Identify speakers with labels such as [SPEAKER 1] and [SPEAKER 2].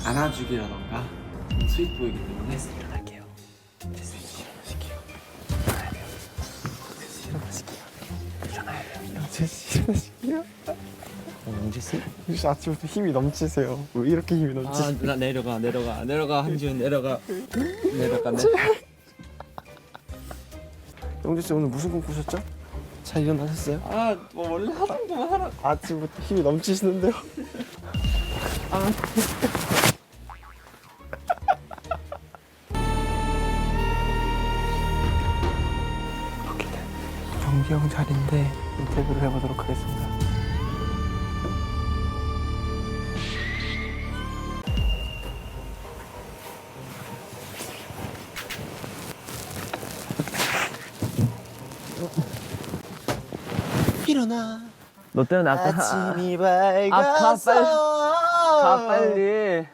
[SPEAKER 1] 안아주기라던가 스윗 보이기 때문에 일어날게요. 일어나실게요. 일어나실게요. 영지씨?
[SPEAKER 2] 혹시 아침부터 힘이 넘치세요? 왜 이렇게 힘이 넘치세요?
[SPEAKER 1] 나 내려가 한지훈 내려가.
[SPEAKER 2] 영지씨 오늘 무슨 꿈 꾸셨죠? 잘 일어나셨어요?
[SPEAKER 1] 뭐 원래 하던 거만 하라.
[SPEAKER 2] 아침부터 힘이 넘치시는데요? 여기는 정기 형 자리인데 인터뷰를 해보도록 하겠습니다. 일어나.
[SPEAKER 1] 너 때문에
[SPEAKER 2] 아침이 밝았어.
[SPEAKER 1] 가 빨리.